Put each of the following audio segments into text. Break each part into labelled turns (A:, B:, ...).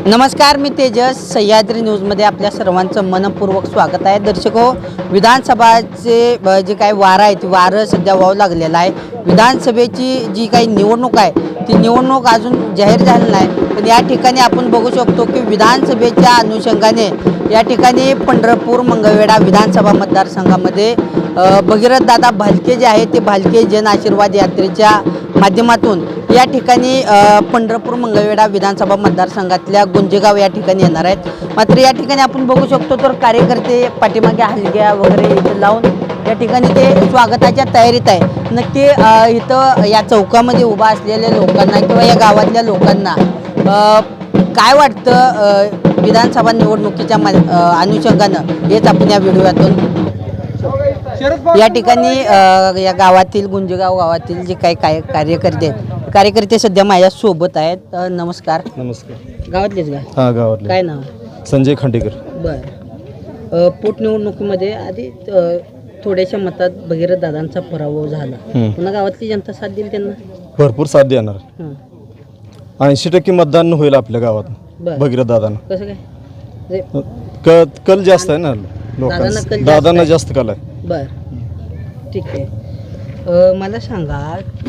A: नमस्कार, मी तेजस. सह्याद्री न्यूजमध्ये आपल्या सर्वांचं मनपूर्वक स्वागत आहे. दर्शक हो, विधानसभाचे जे काही वारं आहे ती वारं सध्या वाहू लागलेलं आहे. विधानसभेची जी काही निवडणूक आहे ती निवडणूक अजून जाहीर झाली नाही, पण या ठिकाणी आपण बघू शकतो की विधानसभेच्या अनुषंगाने या ठिकाणी पंढरपूर मंगळवेढा विधानसभा मतदारसंघामध्ये भगीरथदादा भालके जे आहे ते भालके जन आशीर्वाद यात्रेच्या माध्यमातून या ठिकाणी पंढरपूर मंगळवेढा विधानसभा मतदारसंघातल्या गुंजेगाव या ठिकाणी येणार आहेत. मात्र या ठिकाणी आपण बघू शकतो तर कार्यकर्ते पाठीमागे हलग्या वगैरे इथं लावून या ठिकाणी ते स्वागताच्या तयारीत आहे. नक्की इथं या चौकामध्ये उभा असलेल्या लोकांना किंवा या गावातल्या लोकांना काय वाटतं विधानसभा निवडणुकीच्या अनुषंगानं हेच आपण या व्हिडिओतून या ठिकाणी या गावातील गुंजेगाव गावातील जे काही कार्यकर्ते सध्या माझ्या सोबत आहेत. नमस्कार.
B: नमस्कार.
A: गावातलेच का?
B: हां, गावातले.
A: काय नाव?
B: संजय खांडेकर.
A: बरं. पोटनिवडणुकीमध्ये आधी थोड्याशा मतात भगीरथ दादांचा पराभव झाला. पुन्हा गावातली जनता साथ दिली त्यांना?
B: भरपूर साथ देणार. 80% मतदान होईल आपल्या गावात भगीरथ दादांना.
A: कसं काय?
B: कल जास्त आहे ना लोकांना, दादांना जास्त कल आहे.
A: बर, ठीक आहे. मला सांगा की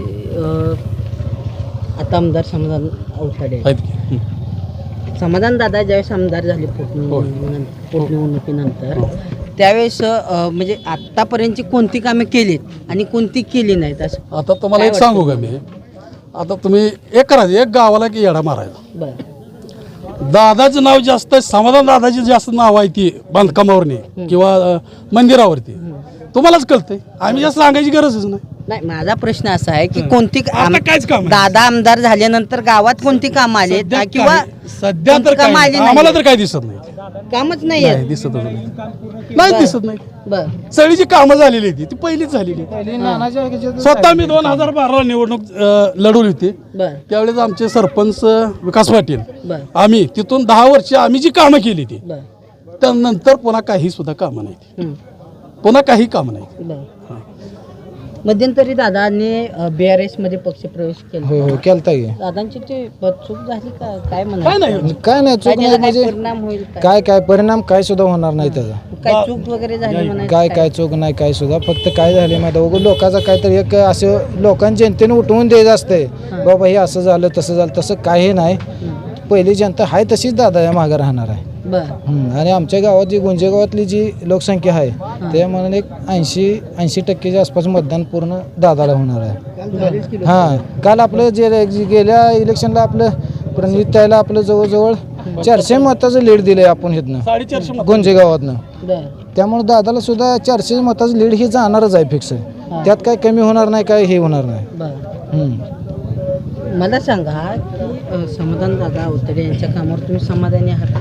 A: आता आमदार समाधान अवताडे समाधान दादा ज्यावेळेस आमदार झाले पोटनिवडणुकीनंतर त्यावेळेस म्हणजे आतापर्यंतची कोणती कामे केलीत आणि कोणती केली नाहीत असं
C: आता तुम्हाला एक सांगू का मी, आता तुम्ही एक करायचं, एक गावाला की येडा मारायचा.
A: बरं.
C: दादाचं नाव जास्त आहे, समाधान दादाची जास्त नाव आहे ती बांधकामावरती किंवा मंदिरावरती, तुम्हालाच कळतंय. आम्ही जास्त सांगायची गरजच
A: नाही. माझा प्रश्न असा आहे की कोणती
C: काहीच काम
A: दादा आमदार झाल्यानंतर गावात कोणती कामं आली किंवा
C: सध्या तर आम्हाला तर काही दिसत नाही,
A: कामच नाही
C: दिसत नाही, दिसत नाही.
A: बरं.
C: सगळी जी कामं झालेली होती ती पहिलीच झालेली. स्वतः मी 2012 निवडणूक लढवली होती. त्यावेळेस आमचे सरपंच विकास पाटील, आम्ही तिथून 10 वर्ष आम्ही जी कामं केली ती त्यानंतर पुन्हा काही सुद्धा कामं नाही, पुन्हा काही काम नाही.
A: मध्यंतरी दादांनी BRS मध्ये पक्ष प्रवेश केला.
D: हो, केलता की.
A: दादांची ते चूक झाली का काय म्हणाल?
D: काय नाही चूक नाही म्हणजे
A: परिणाम होईल
D: काय परिणाम काय सुद्धा होणार नाही त्याचा.
A: काय चूक वगैरे झाली म्हणाल?
D: काय चूक नाही काय सुद्धा, फक्त काय झाले माहिती उगाच लोकांचा काहीतरी एक असं लोकांनी जनतेने उठवून द्यायचं असतंय बाबा हे असं झालं तसं झालं, तसं काही नाही. पहिली जनता आहे तशीच दादा या मागे राहणार आहे. आणि आमच्या गावात जी गुंजेगावातली जी लोकसंख्या आहे त्यामुळे एक 80% आसपास मतदान पूर्ण दादाला होणार आहे. हां, काल आपलं जे गेल्या इलेक्शनला आपलं प्रणिताईला आपलं जवळजवळ 400 मताचं लीड दिलंय आपण इथनं गुंजेगावातनं. त्यामुळे दादाला सुद्धा 400 मताचं लीड ही जाणारच आहे फिक्स. त्यात काय कमी होणार नाही, काय हे होणार नाही.
A: मला सांगा की समाधान दादा अवताडे यांच्या कामावर तुम्ही समाधानी आहात?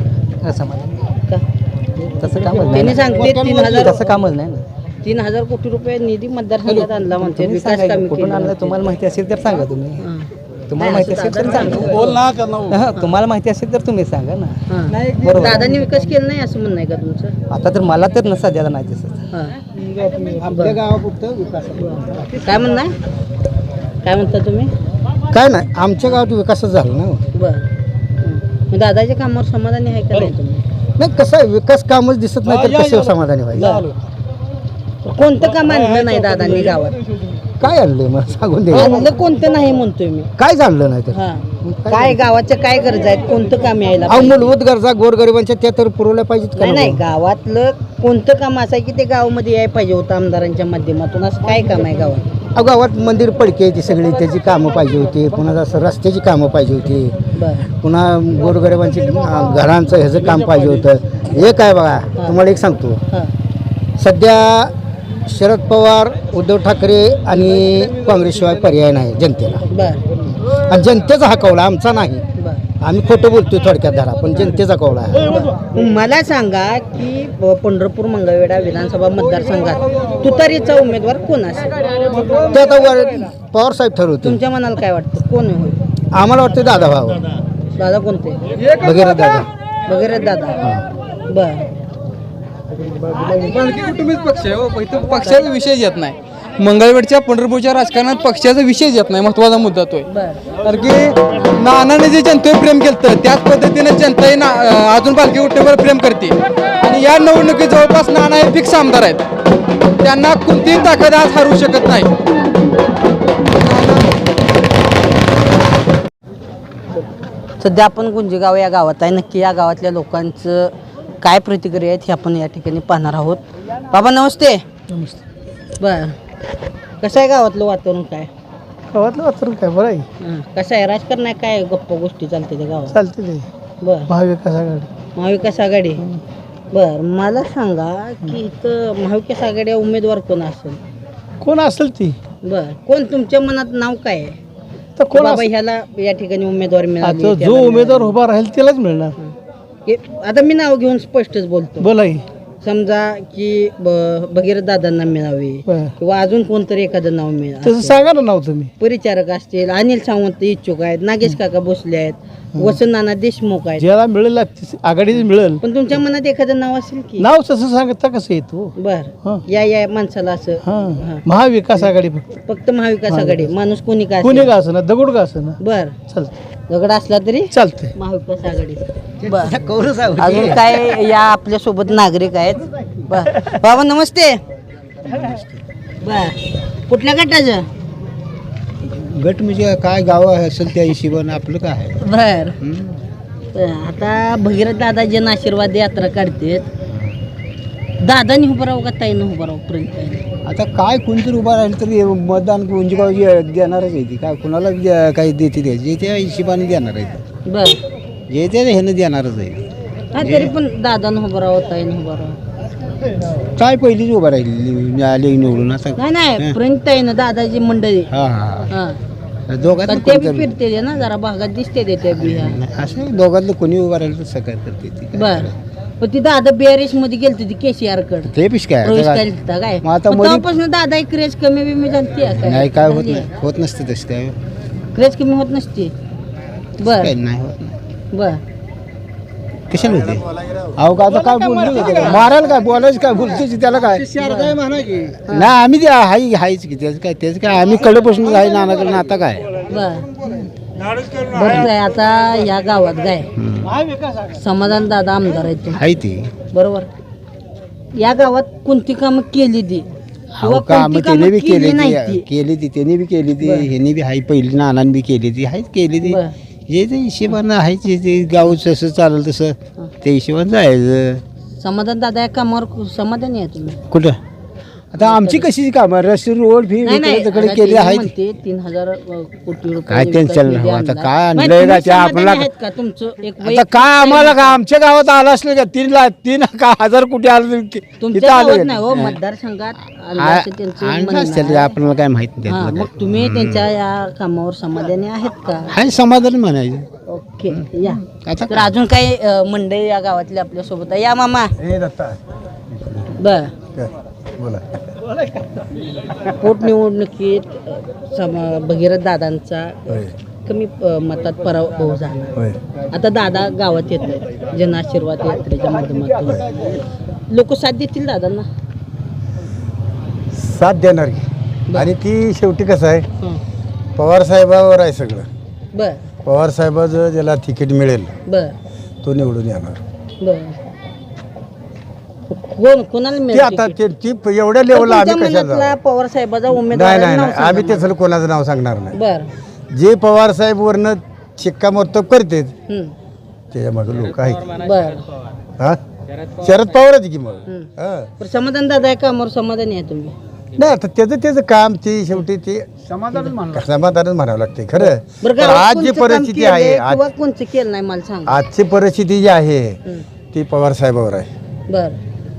E: तसं कामच नाही.
A: त्यांनी सांगते 3000
E: तसं कामच नाही ना.
A: 3000 कोटी रुपये निधी मतदारसंघात आणला म्हणते. विकास कामे
E: कुठून आणलं तुम्हाला माहिती असेल तर सांगा तुम्ही. तुम्हाला माहिती असेल तर सांगा.
C: बोल ना,
E: तुम्हाला माहिती असेल तर तुम्ही सांगा ना.
A: दादांनी विकास केला नाही असं म्हणणं आहे का तुमचं?
E: आता तर मला तर सध्याला नाही दिसत.
D: आपल्या गावापुरतं विकास
A: काय म्हणणं आहे? काय म्हणता तुम्ही?
D: काय नाही, आमच्या गावात विकासच झाला ना.
A: बरं. दादाच्या कामावर समाधानी आहे का नाही तुम्ही?
D: नाही, कसं आहे विकास कामच दिसत नाही तर कसं समाधानी व्हायचं.
A: कोणतं काम आणलं नाही दादांनी गावात?
D: काय आणलंय मला सांगून दे.
A: आणलं कोणतं नाही म्हणतोय मी.
D: काय आणलं नाही तर
A: काय गावाच्या काय गरजा आहेत, कोणतं काम यायला
D: अहो, मूलभूत गरजा गोरगरिबांच्या त्या तर पुरवल्या पाहिजेत का?
A: नाही गावातलं कोणतं काम असं आहे की ते गावामध्ये यायला पाहिजे होतं आमदारांच्या माध्यमातून, असं काय काम आहे गावात?
D: अहो, गावात मंदिर पडके आहे ती सगळी, त्याची कामं पाहिजे होती. पुन्हा असं रस्त्याची कामं पाहिजे होती. पुन्हा गोरगरिबांची घरांचं ह्याचं काम पाहिजे होतं. हे काय बघा, तुम्हाला एक सांगतो, सध्या शरद पवार, उद्धव ठाकरे आणि काँग्रेसशिवाय पर्याय नाही जनतेला. आणि जनतेचा हा कौल आमचा नाही. आम्ही खोटं बोलतोय थोडक्यात धरा, पण जनतेचा कौल आहे.
A: मला सांगा की पंढरपूर मंगळवेढा विधानसभा मतदारसंघात तुतारीचा उमेदवार कोण असेल?
D: ते आता पवार साहेब ठरवतील.
A: तुमच्या मनाला काय वाटतं कोण होईल?
D: आम्हाला वाटतं दादा भाऊ.
A: दादा कोणते?
D: भगीरथ दादा.
A: भगीरथ दादा. बर.
F: कुटुंबीच पक्ष आहे हो, पक्षाचा विषय येत नाही.
E: मंगळवेढच्या पंढरपूरच्या राजकारणात पक्षाचा विषय येत नाही, महत्वाचा मुद्दा तो आहे.
A: बर
E: कारण की नानाने जे जनतेवर प्रेम केलं त्याच पद्धतीने जनता अजून पालखी उठण्यावर प्रेम करते आणि या निवडणुकीत जवळपास नाना हे फिक्स आमदार आहेत. त्यांना कोणतीही ताकद आज हरवू शकत नाही.
A: सध्या आपण गुंजेगाव या गावात आहे. नक्की या गावातल्या लोकांचं काय प्रतिक्रिया आहेत हे आपण या ठिकाणी पाहणार आहोत. बाबा नमस्ते.
D: नमस्ते.
A: बर कसं आहे गावातलं वातावरण काय?
D: गावातलं वातावरण काय बरं आहे,
A: कसं आहे राजकारण आहे काय गप्पा गोष्टी चालते त्या गावात?
D: चालते ते
A: बर
D: महाविकास आघाडी.
A: महाविकास आघाडी. बर मला सांगा की इथं महाविकास आघाडी उमेदवार कोण असेल?
D: कोण असेल ती
A: बर कोण तुमच्या मनात नाव काय आहे?
D: तर कोण
A: बाबा
D: असेल?
A: ह्याला या ठिकाणी उमेदवार मिळाली,
D: आता
A: त्याला
D: जो उमेदवार
A: मिळाली.
D: उभा राहील त्यालाच मिळणार.
A: आता मी नाव घेऊन स्पष्टच बोलतो.
D: बोला की.
A: समजा की भगीरथ दादांना मिळावे
D: बरं.
A: किंवा अजून कोणतरी एखादं नाव
D: तसं
A: मिळावे.
D: सांगा ना नाव तुम्ही.
A: परिचारक असतील, अनिल सावंत इच्छुक आहेत, नागेश काका भोसले आहेत, वसंत नाना देशमुख आहेत.
D: ज्याला मिळेल आघाडीच मिळेल
A: पण तुमच्या मनात एखादं नाव असेल की?
D: नाव तसं सांगता कसं येतो.
A: बर
D: हं.
A: या माणसाला असं
D: हा महाविकास आघाडी फक्त.
A: फक्त महाविकास आघाडी माणूस कोणी काय
D: कोणी का असं ना दगड का असं ना
A: बर
D: चालतं
A: दगड असला तरी
D: चालतंय.
A: महाविकास आघाडी. बर अजून काय या आपल्या सोबत नागरिक आहेत. बर बाबा नमस्ते. बर कुठल्या गटाचं?
F: गट म्हणजे काय गाव असेल त्या हिशोबानं आपलं काय आहे.
A: बर आता भगीरथ दादा जन आशीर्वाद यात्रा काढते. दादानी उभं राहू का ताईनं उभं राहू पर्यंत?
F: आता काय कोणतरी उभा राहील तरी मतदान गुंजगाव देणारच आहे ती. काय कुणाला काही देते द्यायची जे त्या हिशोबाने देणार आहे.
A: बर
F: जे ते ह्यानं देणारच आहे.
A: हा तरी पण दादानं उभं राहू ताईनं उभं राहू.
F: काय पहिलीच उभा राहिली आले निवडून आता.
A: नाही प्रिंट ताईनं दादाची मंडळी.
F: हा हा
A: हा
F: दोघात
A: पण ते बी फिरते ना जरा भागात दिसते ते बिहार.
F: असं दोघातलं कोणी उभा राहिलं तर सकाळ करते ती.
A: बर पण ती दादा BRS मध्ये गेलती ती केसीआर कडे
F: ते पिश काय
A: प्रवेश
F: आता
A: केलता काय
F: मग आता
A: मग
F: मध्ये-
A: तेव्हापासून दादा एक क्रेज कमी बिमी झालती आहे
F: नाही काय होत नाही होत नसते तसं काय
A: क्रेज कमी होत नसते. बर
F: काय नाही होत नाही.
A: बर
F: कशाला होते अहो का आता काय बोलली होते का? मारायला काय बोलायचं काय बोलतोच त्याला काय नाही आम्ही ते हायच की त्याचं काय आम्ही कडपासून आहे नानाकडे आता काय
A: बर बरं आहे आता या गावात काय समाधान दादा आमदार आहेत तुम्ही,
F: हाय ती
A: बरोबर. या गावात कोणती कामं केली ती किंवा
F: काम
A: कोणती
F: त्याने
A: कामं
F: बी
A: केली नाही
F: केली
A: ती?
F: केली ती त्याने बी केली ती ह्याने बी हाय पहिली नानाने बी केली ती हायच केली ती.
A: बरं.
F: जे ते हिशेबानं आहे ते गाव जसं चालेल तसं त्या हिशोबानं जायचं.
A: समाधान दादा या कामावर समाधानी आहे तुम्ही?
F: कुठं आता आमची कशी कामं रस्ते रोड फी
A: नाही नाही
F: तिकडे
A: आता
F: केली
A: ते
F: आहे
A: म्हणते 3,000 कोटी रुपये
F: काय
A: विकास
F: त्यांचं
A: निधी
F: आता
A: आणला.
F: काय
A: नाही,
F: आणलंय
A: तुम्ही
F: का ते
A: समाधानी
F: आपल्याला-
A: आहेत का? तुमचं एक
F: आता
A: वैयक्तिक
F: काय आम्हाला का आमच्या गावात आलं असलं का 3 का 1000 कुठे आलं इथं
A: तुमच्या
F: आलं
A: गावात
F: का?
A: नाही हो मतदारसंघात आलं असं त्यांचं
F: आणलं
A: म्हणणं
F: असेल,
A: आहे.
F: आपल्याला काय माहित नाही
A: हा
F: त्यातलं
A: मग तुम्ही त्यांच्या या कामावर समाधानी आहेत का?
F: काय. हाय समाधान म्हणायचं
A: ओके या
F: आता
A: तर अजून काही मंडळी या गावातले आपल्या सोबत आहे. या मामा बर पोटनिवडणुकीत भगीरथ दादांचा कमी मतात पराभव झाला. आता दादा गावात येत आहेत जन आशीर्वाद यात्रेच्या माध्यमातून. लोक साथ देतील दादांना?
G: साथ देणार की आणि ती शेवटी कसं आहे
A: हं.
G: पवार साहेबावर आहे सगळं.
A: बर
G: पवार साहेबाचं ज्याला तिकीट मिळेल
A: बर
G: तो निवडून येणार.
A: बर कोणाला
G: ते
A: मिळेल
G: आता
A: तिकीट?
G: ते एवढ्या लेवलला
A: तुमच्या
G: आम्ही कशाला
A: मनातला
G: जाऊ?
A: पवार साहेबाचा
G: नाही
A: उमेदवार
G: नाही नाही आम्ही त्याचं कोणाचं नाव सांगणार नाही.
A: बर
G: जे पवार साहेब वरनं शिक्कामोर्तब करते त्याच्या मागे लोक आहेत.
A: बर
G: हा शरद पवारच की मग हा.
A: पण समाधान दादा या कामावर समाधानी आहे तुम्ही?
G: नाही आता त्याचं काम ते शेवटी ते समाधानच म्हणावं लागते खरं.
A: बरं
G: पण
A: गावात
G: आज जी
A: कोणचं काम
G: परिस्थिती
A: केलंय
G: आहे
A: किंवा कोणचं केलं नाही मला सांगा.
G: आजची परिस्थिती जी आहे ती पवार साहेबावर आहे.
A: बर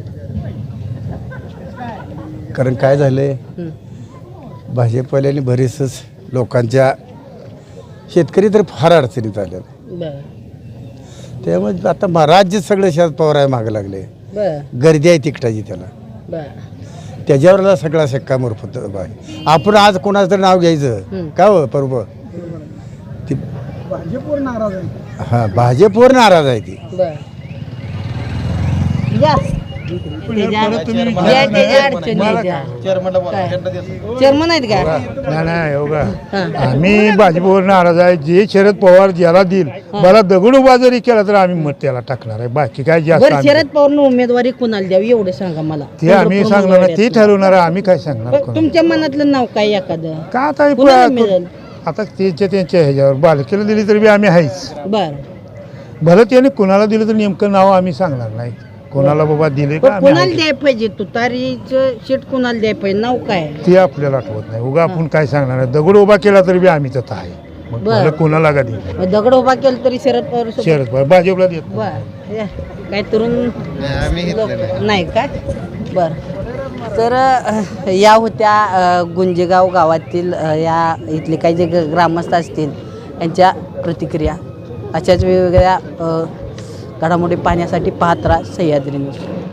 G: कारण काय झालंय भाजपवाल्याने बरेचसं लोकांच्या शेतकरी तर फार अडचणीत आले.
A: बर
G: त्यामुळे आता राज्य सगळं शरद पवार आहे मागं लागले.
A: बर
G: गर्दी आहे तिकटाची त्याला
A: बर
G: त्याच्यावर सगळा शिक्कामोर्तब आहे. आपण आज कोणाचं तरी नाव घ्यायचं का हो बरोबर ती भाजपवर नाराज आहे. हा भाजपवर नाराज आहे ती.
A: बर या त्याच्या अडचणी आहेत त्या. चेअरमन आहेत का?
H: नाही हो का आम्ही भाजपवर नाराज आहे. जे शरद पवार ज्याला देईल मला दगड उभा जरी केला तर आम्ही मत त्याला टाकणार आहे. बाकी काय जास्त
A: बरं,
H: आम्ही-
A: शरद पवारनं उमेदवारी कोणाला द्यावी एवढं सांगा मला.
H: ते आम्ही सांगणार नाही, ते ठरवणार आहे. आम्ही काय सांगणार कोणाला?
A: तुमच्या मनातलं नाव काय एखादं?
H: का आता
A: कुणाला मिळेल?
H: आता त्यांच्या ह्याच्यावर बालकेला दिली तरी बी आम्ही आहेच.
A: बर,
H: भलं त्याने कुणाला दिलं तर नेमकं नाव आम्ही सांगणार नाही. कोणाला बाबा दिले का
A: पण
H: आम्ही
A: कुणाला
H: आहेच.
A: द्यायला पाहिजे? तुतारीचं शीट कुणाला द्यायला पाहिजे? नाव काय?
H: ते आपल्याला आठवत नाही. उगा आपण काय सांगणार आहे. दगड उभा केला तरी बी आम्ही तसं आहे. मग
A: बरं.
H: भलं कोणाला का दिलं?
A: मग दगड उभा केला तरी शरद पवार सोबत?
H: शरद पवार भाजपला देत नाही.
A: बर, या. काय तरुण लोक- नाही काय? बर, तर या होत्या गुंजेगाव गावातील या इथले काही जे ग्रामस्थ असतील यांच्या प्रतिक्रिया. अशाच वेगवेगळ्या घडामोडी पाहण्यासाठी पाहत राहा सह्याद्री न्यूज.